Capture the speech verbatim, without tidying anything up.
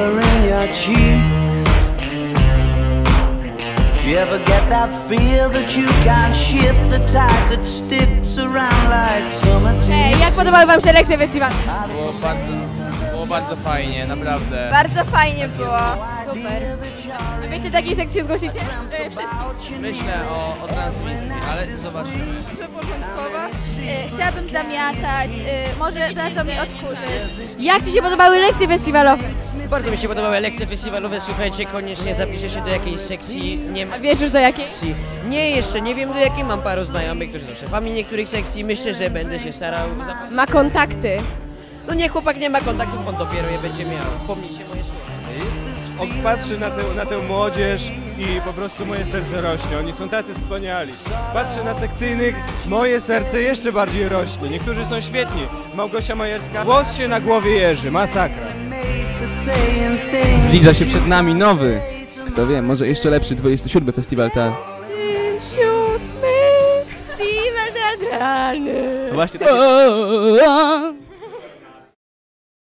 color in your cheeks. Do you ever get that feel that you can't shift the tide that sticks around like summer tea? Ej, jak podobały wam się lekcje festiwalu? Było bardzo, było bardzo fajnie, naprawdę. Bardzo fajnie było. Super. A wiecie, do jakiej sekcji się zgłosicie? E, wszystkich. Myślę o, o transmisji, ale zobaczymy. Początkowa. E, chciałabym zamiatać, e, może dadzą mi odkurzyć. Jak ci się podobały lekcje festiwalowe? Bardzo mi się podobały lekcje festiwalowe, słuchajcie, koniecznie zapiszę się do jakiejś sekcji. Nie, A wiesz już do jakiej? nie jeszcze, nie wiem do jakiej, mam paru znajomych, którzy są szefami niektórych sekcji, myślę, że będę się starał zapisać. Ma kontakty. No nie, chłopak nie ma kontaktów, on dopiero je będzie miał, pomnijcie moje słowa. On patrzy na tę, na tę młodzież i po prostu moje serce rośnie, oni są tacy wspaniali. Patrzę na sekcyjnych, moje serce jeszcze bardziej rośnie, niektórzy są świetni. Małgosia Majerska, włos się na głowie jeży, masakra. Zbliża się przed nami nowy, kto wie, może jeszcze lepszy dwudziesty siódmy festiwal ta... Siódmy festiwal teatralny. Właśnie tak.